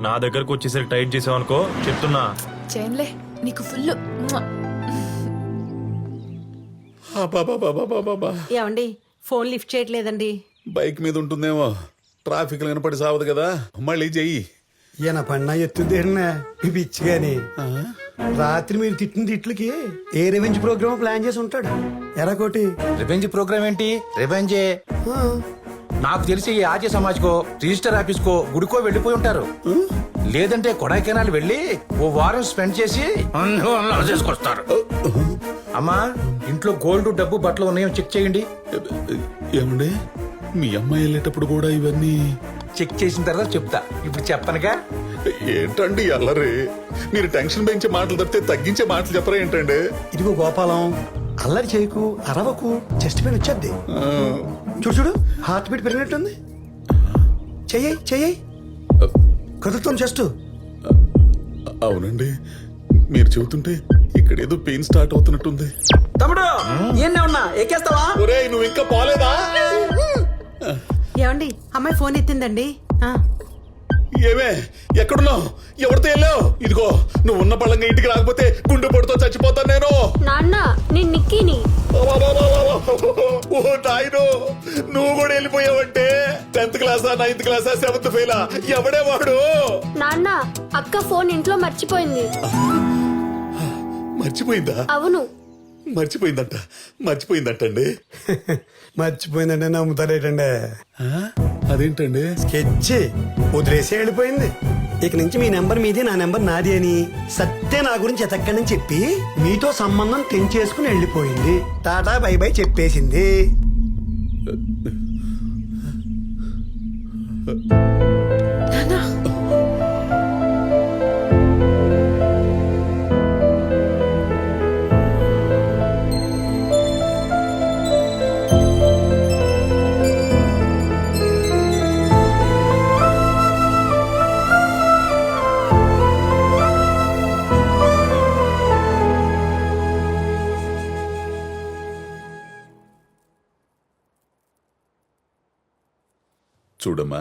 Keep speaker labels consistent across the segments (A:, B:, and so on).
A: నా దగ్గరకు వచ్చేసరికి టైట్ చేసావు అనుకో చెప్తున్నా.
B: చేయనులే నీకు ఫుల్.
C: ఏమండి ఫోన్ లిఫ్ట్ చేయట్లేదండి.
D: బైక్ మీద ఉంటుందేమో, ట్రాఫిక్ వినపడి సావదు కదా. మళ్ళీ చెయ్యి.
E: ఈయన పన్నా ఎత్తుదేనా పిచ్చిగాని. రాత్రి మీరు తిట్టిన తిట్లకి ఏ రెవెంజ్ ప్రోగ్రామ్ ప్లాన్ చేసి ఉంటాడు. ఎరాకోటి
F: రివెంజ్ ప్రోగ్రామ్ ఏంటి? రివెంజే. నాకు తెలిసి ఈ ఆర్య సమాజ్కో రిజిస్టర్ ఆఫీస్కో గుడికో వెళ్ళిపోయి ఉంటారు. లేదంటే కొడైకెనాల్ వెళ్ళి ఓ వారం స్పెండ్ చేసి చేసుకొస్తారు. అమ్మా, ఇంట్లో గోల్డ్, డబ్బు, బట్టలు ఉన్నాయో చెక్ చేయండి.
D: ఏమండి, మీ అమ్మాయి వెళ్ళేటప్పుడు కూడా ఇవన్నీ
F: చెక్ చేసిన తర్వాత చెప్తా. ఇప్పుడు చెప్పనుగా.
D: ఏంటండి అల్లరి? మీరు టెన్షన్ పెంచే మాటలు తప్పితే తగ్గించే మాటలు చెప్పరా ఏంటండి?
E: ఇదిగో గోపాలం, అల్లరి చేయకు, అరవకు, చెస్ట్ పెయిన్ వచ్చేద్ది. చూడు చూడు, హార్ట్ బీట్ పెరిగినట్టుంది. చెయ్యి చెయ్యి, కదులుతాం చెస్ట్.
D: అవునండి, మీరు చెబుతుంటే ఇక్కడ ఏదో పెయిన్ స్టార్ట్ అవుతున్నట్టుంది.
G: తమ్ముడు ఏం ఉన్నా ఎక్కేస్తావా?
D: ఒరేయ్, నువ్వు ఇంకా పోలేదా?
C: ఏమండి అమ్మాయి ఫోన్ ఎత్తిందండి.
D: ఏమే, ఎక్కడున్నావు? ఎవరితో వెళ్ళావు? ఇదిగో, నువ్వు ఉన్న పళ్ళంగా ఇంటికి రాకపోతే గుండె పొడితో చచ్చిపోతాను నేను.
H: నాన్న నేను నిక్కీని.
D: ఓ నాయనో, నువ్వు కూడా వెళ్ళిపోయావంటే 10th క్లాసా 9th క్లాసా 7th ఫెయిలా? ఎవడే వాడు?
H: నాన్న అక్క ఫోన్ ఇంట్లో మర్చిపోయింది.
D: మర్చిపోయిందా?
H: అవును.
D: మర్చిపోయిందంటండి.
E: మర్చిపోయిందంటే నమ్ముతారేటండి.
D: అదేంటండి?
E: స్కెచ్ వదిలేసే వెళ్ళిపోయింది. ఇక నుంచి మీ నెంబర్ మీది, నా నెంబర్ నాది అని సత్తే నా గురించి ఎతక్కడని చెప్పి మీతో సంబంధం తెంచేసుకుని వెళ్ళిపోయింది. టాటా బై బై చెప్పేసింది.
D: చూడమ్మా,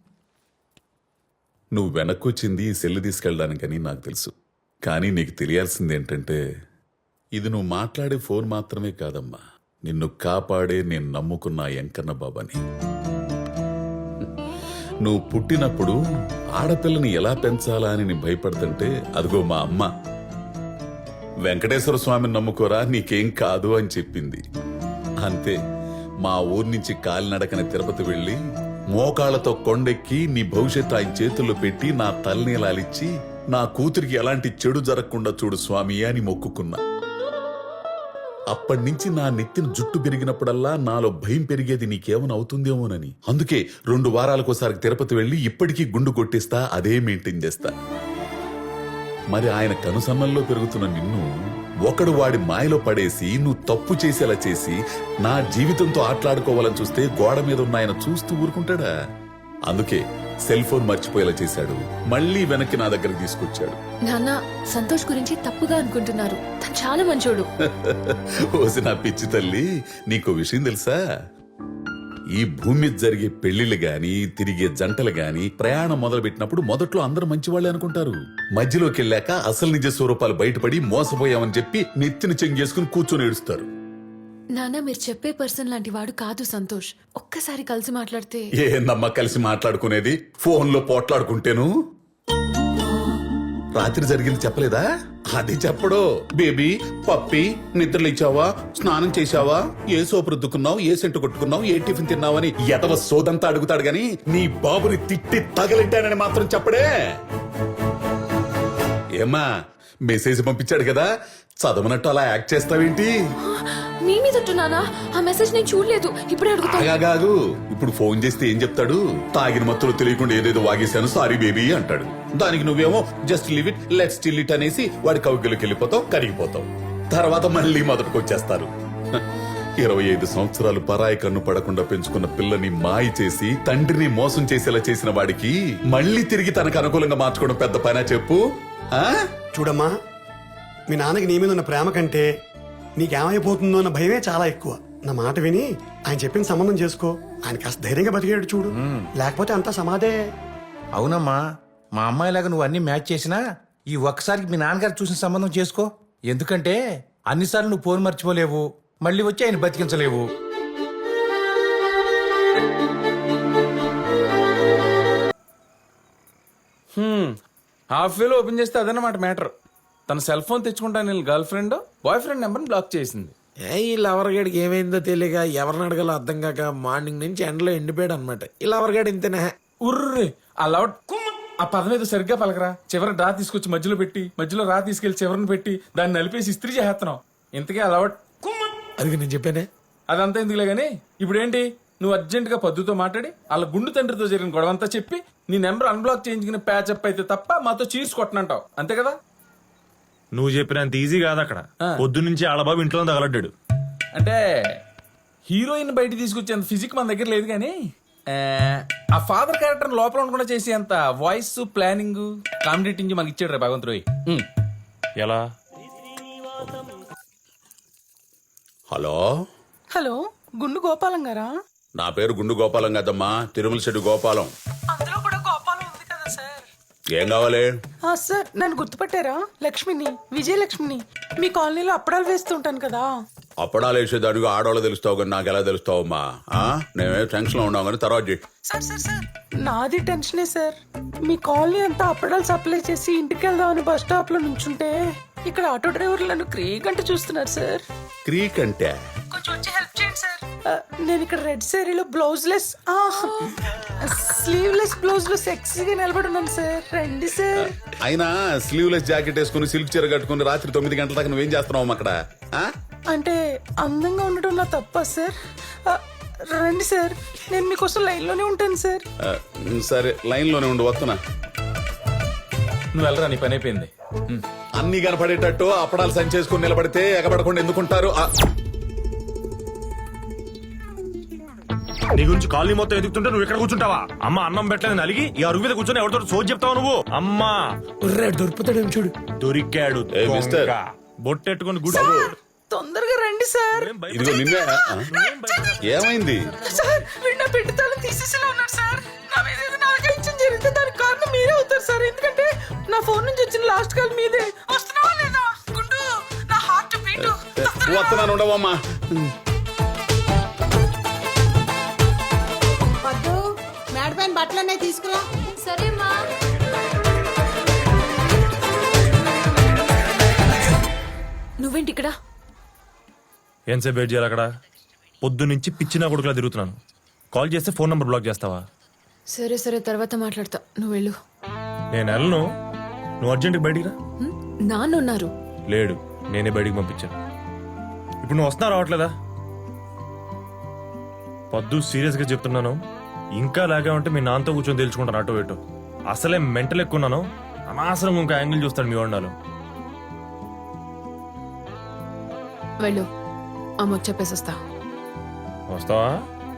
D: నువ్వు వెనక్కొచ్చింది ఈ సెల్లు తీసుకెళ్ళడానికని నాకు తెలుసు. కానీ నీకు తెలియాల్సింది ఏంటంటే, ఇది నువ్వు మాట్లాడే ఫోన్ మాత్రమే కాదమ్మా, నిన్ను కాపాడే నేను నమ్ముకున్న వెంకన్న బాబాని. నువ్వు పుట్టినప్పుడు ఆడపిల్లని ఎలా పెంచాలా అని నేను భయపడుతుంటే, అదిగో మా అమ్మ వెంకటేశ్వర స్వామిని నమ్ముకోరా, నీకేం కాదు అని చెప్పింది. అంతే, మా ఊరి నుంచి కాలినడకన తిరుపతి వెళ్ళి మోకాళ్లతో కొండెక్కి నీ భవిష్యత్తు ఆయన చేతుల్లో పెట్టి నా తలనీలాలిచ్చి నా కూతురికి ఎలాంటి చెడు జరగకుండా చూడు స్వామి అని మొక్కుకున్నా. అప్పటినుంచి నా నెత్తిన జుట్టు పెరిగినప్పుడల్లా నాలో భయం పెరిగేది నీకేమైనా అవుతుందేమోనని. అందుకే 2 వారాలకోసారి తిరుపతి వెళ్ళి ఇప్పటికీ గుండు కొట్టిస్తా, అదే మెయింటైన్ చేస్తా. మరి ఆయన కనుసన్నల్లో పెరుగుతున్న నిన్ను ఒకడు వాడి మాయలో పడేసి నువ్వు తప్పు చేసేలా చేసి నా జీవితంతో ఆటలాడుకోవాలని చూస్తే గోడ మీద ఉన్న ఆయన చూస్తూ ఊరుకుంటాడా? అందుకే సెల్ ఫోన్ మర్చిపోయేలా చేశాడు, మళ్ళీ వెనక్కి నా దగ్గరకు తీసుకొచ్చాడు.
B: నాన్న సంతోష్ గురించి తప్పుగా అనుకుంటున్నారు, తను చాలా మంచోడు.
D: ఓసి నా పిచ్చి తల్లి, నీకో విషయం తెలుసా? ఈ భూమి మీద జరిగే పెళ్లిళ్ళు గాని, తిరిగే జంటలు గాని, ప్రయాణం మొదలు పెట్టినప్పుడు మొదట్లో అందరూ మంచివాళ్లే అనుకుంటారు. మధ్యలోకి వెళ్ళాక అసలు నిజ స్వరూపాలు బయటపడి మోసపోయామని చెప్పి నెత్తిని చెంగేసుకుని కూర్చొని ఏడుస్తారు.
B: నాన్న మీరు చెప్పే పర్సన్ లాంటి వాడు కాదు సంతోష్. ఒక్కసారి కలిసి మాట్లాడితే.
D: ఏందమ్మా కలిసి మాట్లాడుకునేది? ఫోన్లో పోట్లాడుకుంటేను. రాత్రి జరిగింది చెప్పలేదా? అది చెప్పడు. బేబీ, పప్పి, నిద్రలు ఇచ్చావా, స్నానం చేశావా, ఏ సోపు రుద్దుకున్నావు, ఏ సెంటు కొట్టుకున్నావు, ఏ టిఫిన్ తిన్నావని ఎదవ సోదంతా అడుగుతాడు గాని నీ బాబుని తిట్టి తగలెట్టానని మాత్రం చెప్పడే. ఏమ్మా, మెసేజ్ పంపించాడు కదా, చదవనట్టు అలా యాక్ట్ చేస్తావేంటి?
B: మీ మీద నానా, ఆ మెసేజ్ నేను చూడలేదు, ఇప్పుడే
D: అడుగుతాగాగు. ఇప్పుడు ఫోన్ చేస్తే ఏం చెప్తాడు? తాగిన మత్తులో తెలియకుండా ఏదేదో వాగేశాను, సారీ బేబీ అంటాడు. దానికి నువ్వేమో just leave it, let's chill it అనేసి వాడి కవిగిలోకి వెళ్ళిపోతావు, కరిగిపోతావు. తర్వాత మళ్ళీ మొదటికి వచ్చేస్తారు. 25 సంవత్సరాలు పరాయి కన్ను పడకుండా పెంచుకున్న పిల్లని మాయ చేసి తండ్రిని మోసం చేసేలా చేసిన వాడికి మళ్ళీ తిరిగి తనకు అనుకూలంగా మార్చుకోవడం పెద్ద పనా చెప్పు?
E: చూడమ్మా, మీ నాన్నకి నీ మీద ఉన్న ప్రేమ కంటే నీకేమైపోతుందో అన్న భయమే చాలా ఎక్కువ. నా మాట విని ఆయన చెప్పిన సంబంధం చేసుకో. ఆయన కాస్త ధైర్యంగా బతికేడు చూడు, లేకపోతే అంతా సమాధే.
F: అవునమ్మా, మా అమ్మాయిలాగా నువ్వు అన్ని మ్యాచ్ చేసినా ఈ ఒక్కసారికి మీ నాన్నగారు చూసిన సంబంధం చేసుకో. ఎందుకంటే అన్నిసార్లు నువ్వు ఫోన్ మర్చిపోలేవు, మళ్ళీ వచ్చి ఆయన బతికించలేవు.
I: హాఫ్ వేలో ఓపెన్ చేస్తే అదన్నమాట మ్యాటర్. తన సెల్ ఫోన్ తెచ్చుకుంటాను గర్ల్ ఫ్రెండ్ బాయ్ ఫ్రెండ్ నెంబర్ని బ్లాక్ చేసింది.
J: ఈ లవర్గాడికి ఏమైందో తెలియక ఎవరిని అడగాలో అర్థం కాక మార్నింగ్ నుంచి ఎండలో ఎండిపోయాడు అనమాట. ఈ లవర్గాడు ఇంతనే.
I: ఉర్రే ఆ లవ్ ఆ పదం ఏదో సరిగ్గా పలకరా. చివరి రా తీసుకొచ్చి మధ్యలో పెట్టి, మధ్యలో రా తీసుకెళ్లి చివరిని పెట్టి దాన్ని నలిపేసి ఇస్త్రీ చేస్తున్నావు. ఇంతకీ ఆ లవ్
J: అది నేను చెప్పానే.
I: అదంతా ఎందుకులే గానీ ఇప్పుడు ఏంటి, నువ్వు అర్జెంట్ గా పద్దుతో మాట్లాడి వాళ్ళ గుండు తండ్రితో జరిగిన గొడవంతా చెప్పి నీ నెంబర్ అన్బ్లాక్ చేయించుకుని ప్యాచప్ అయితే తప్ప మాతో చీర్స్ కొట్టనంటావు, అంతే కదా?
A: నువ్వు చెప్పినంత ఈజీ కాదు అక్కడ. పొద్దు నుంచి ఆడబాబు ఇంట్లో తగలడ్డాడు.
I: అంటే హీరోయిన్ బయట తీసుకొచ్చేంత ఫిజిక్ మన దగ్గర లేదు కానీ ఆ ఫాదర్ క్యారెక్టర్ లోపల ఉండకుండా చేసేంత వాయిస్ ప్లానింగ్ కామెడీ మనకి ఇచ్చాడు రే భగవంతుడు.
A: ఎలా?
D: హలో,
K: హలో, గుండు గోపాలం గారా?
D: నా పేరు గుండు గోపాలం కదమ్మా, తిరుమల శెట్టి గోపాలం.
K: అందులో కూడా గోపాలం ఉంది కదా సార్.
D: ఏం కావాలి?
K: సార్ నన్ను గుర్తుపట్టారా? లక్ష్మిని, విజయలక్ష్మిని. మీ కాలనీలో అప్పడాలు వేస్తుంటాను కదా.
D: అప్పడాలు వేసేదానికి ఆడవాళ్ళు తెలుస్తావు కానీ నాకు ఎలా తెలుస్తావమ్మా? నేనే టెన్షన్ లో ఉన్నావు కానీ తర్వాత చెయ్యి.
K: సార్ సార్ సార్ నాది టెన్షనే సార్. మీ కాలనీ అంతా అప్పడాలు సప్లై చేసి ఇంటికి వెళ్దామని బస్ స్టాప్ లో నుంచుంటే ఇక్కడ ఆటో డ్రైవర్లు నన్ను క్రీగంట చూస్తున్నారు సార్.
D: క్రీక్ అంటే
K: కొంచెం వచ్చి హెల్ప్ చేయండి సార్. నేను ఇక్కడ రెడ్ సారీలో బ్లౌజ్ లెస్ స్లీవ్లెస్ బ్లౌజ్ లో సెక్సీగా నిలబడి ఉన్నాను సార్. రండి సార్.
D: అయినా స్లీవ్లెస్ జాకెట్ వేసుకుని సిల్క్ చీర కట్టుకుని రాత్రి 9 గంటల దాకా నువ్వేం చేస్తున్నావు అక్కడ?
K: అంటే అందంగా ఉండటం నా తప్ప సార్? రండి సార్, నేను మీకోసం లైన్ లోనే ఉంటాను సార్.
D: సరే లైన్ లోనే ఉండు, వస్తున్నా.
I: నువ్వు వెళ్ళరా, నీ పని అయిపోయింది.
D: అన్ని కనపడేటట్టు అప్పడాలు సంచేసుకుని నిలబడితే ఎగబడకుండా ఎందుకుంటారు?
A: నీ గురించి కాలనీ మొత్తం ఎదుగుతుంటే నువ్వు ఇక్కడ కూర్చుంటావా? అమ్మ అన్నం పెట్టలేదు నలిగి ఈ అరుగు మీద కూర్చొని ఎవరితో సోది చెప్తావు నువ్వు? అమ్మా
J: దొరుకుతాడేమో చూడు.
A: దొరికాడు
D: మిస్టర్.
A: బొట్టెట్టుకుని గుడి.
K: తొందరగా రండి సార్.
D: ఇదిగో నిన్నే. ఏమైంది?
K: సార్ వీడు నా పెట్టి తాళం తీసేసేలా ఉన్నాడు సార్. నా మీద ఏదైనా ఆగ్రహించడం జరిగితే దానికి కారణం మీరే అవుతారు సార్. ఎందుకంటే నా ఫోన్ నుంచి వచ్చిన లాస్ట్ కాల్ మీదే. వస్తున్నావా లేదా? గుండు నా హార్ట్ బీట్.
D: వస్తున్నాను, ఉండవమ్మా.
C: పద్దు మేడ పైన బట్టలనే తీసుకురా.
H: సరే మా.
B: నువ్వేంటి ఇక్కడ?
A: ఎంతసేపు వెయిట్ చేయాలి అక్కడ? పొద్దు నుంచి పిచ్చినా కొడుకులా తిరుగుతున్నాను. కాల్ చేస్తే ఫోన్ నంబర్ బ్లాక్ చేస్తావా?
B: సరే సరే తర్వాత మాట్లాడతా, నువ్వు వెళ్ళు.
A: నేను వెళ్ళను, నువ్వు అర్జెంట్గా బయటికి రా.
B: నాన్న ఉన్నారు.
A: లేడు, నేనే బయటికి పంపించాను. ఇప్పుడు నువ్వు వస్తున్నా రావట్లేదా? పొద్దు సీరియస్గా చెప్తున్నాను, ఇంకా లాగే ఉంటే మీ నాన్నతో కూర్చొని తెలుసుకుంటాను అటో ఇటో. అసలే మెంటల్ ఎక్కున్నాను, అనవసరంగా ఇంకా యాంగిల్ చూస్తాడు మీ వండాలు.
B: వెళ్ళు, అమ్మకు చెప్పేసి వస్తా.
A: వస్తావా?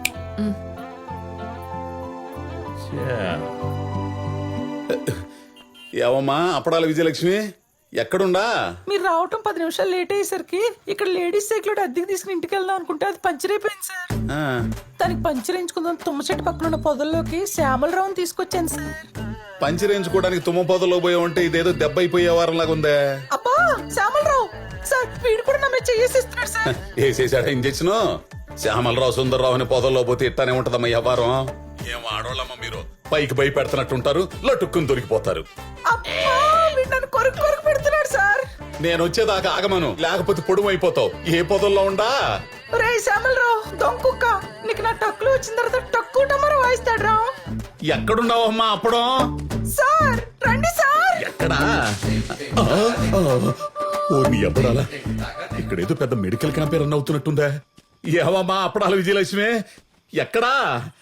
D: ఏవమ్మా అప్పడాల విజయలక్ష్మి, ఎక్కడుండా?
K: మీరు రావటం 10 నిమిషాలు లేట్ అయ్యేసరికి ఇక్కడ లేడీస్ సైకిల్ అద్దెకి తీసుకుని ఇంటికి వెళ్దాం అనుకుంటే అది పంచర్ అయిపోయింది సార్. దానికి పంచర్ వేయించుకుందాం తుమ్మ చెట్టు పక్కన ఉన్న పొదల్లోకి శ్యామలరావుని తీసుకొచ్చాను సార్.
D: పంచర్ వేయించుకోవడానికి తుమ్మ పొదలో పోయా ఉంటే ఇదేదో దెబ్బ అయిపోయే వారంలాగా ఉందే.
K: అబ్బా శ్యామలరావు సార్, వీడు కూడా నా మీద చేసేస్తున్నాడు సార్.
D: వేసేసాడా ఇంజెక్షన్? శ్యామలరావు సుందర్రావు అని పొదల్లో పోతే ఇట్టానే ఉంటదమ్మా వ్యవహారం. ఏం ఆడోళ్ళమ్మా మీరు, పైకి భయపెడుతున్నట్టుంటారు, లటుక్కుని దొరికిపోతారు.
K: అబ్బా వీడు నన్ను కొరకు కొరకు పెడుతున్నాడు సార్.
D: నేను వచ్చేదాకా ఆగమను, లేకపోతే పొడుము అయిపోతావు. ఏ పొదల్లో ఉండా?
K: రే శ్యామలరావు దొంకుక్క, నీకు నా టక్కులు వచ్చిన తర్వాత టక్కు టమర వాయిస్తాడు రా.
D: ఎక్కడున్నావమ్మా అప్పుడం?
K: సార్ రండి సార్.
D: ఎక్కడా? ఓ నీ అప్పడాలా, ఇక్కడేదో పెద్ద మెడికల్ క్యాంప్ రన్ అవుతున్నట్టుందా? ఏవమ్మా అప్పడాల విజయలక్ష్మి, ఎక్కడా?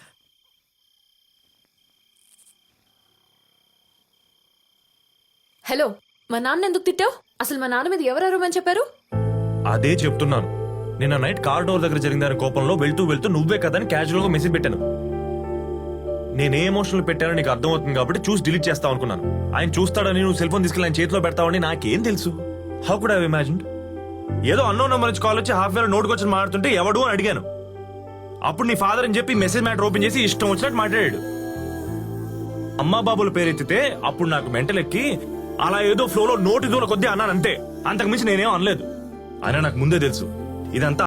B: హలో, మా నాన్న ఎందుకు తిట్టావు? అసలు మా నాన్న మీద ఎవరెవరమని చెప్పారు?
A: అదే చెప్తున్నాను. నిన్న నైట్ కార్ డోర్ దగ్గర జరిగిందని కోపంలో వెళ్తూ వెళ్తూ నువ్వే కదా అని క్యాజువల్ గా మెసేజ్ పెట్టాను. నేనే ఎమోషనల్ పెట్టానో నీకు అర్థమవుతుంది కాబట్టి చూసి డిలీట్ చేస్తావు అనుకున్నాను. ఆయన చూస్తాడని నువ్వు సెల్ ఫోన్ తీసుకెళ్ళి ఆయన చేతిలో పెడతావని నాకేం తెలుసు? How could I imagine? ఏదో అన్నోన్ నెంబర్ నుంచి కాల్ వచ్చి హాఫ్ వేలో నోటుకు వచ్చి మాట్లాడుతుంటే ఎవడు అని అడిగాను. అప్పుడు నీ ఫాదర్ అని చెప్పి మెసేజ్ మ్యాటర్ ఓపెన్ చేసి ఇష్టం వచ్చినట్టు మాట్లాడాడు. అమ్మా బాబుల పేరెత్తితే అప్పుడు నాకు మెంటలెక్కి అలా ఏదో ఫ్లోలో నోటి దూల కొద్దీ అన్నాను అంతే. అంతకు మించి నేనేం అనలేదు. అయినా నాకు ముందే తెలుసు ఇదంతా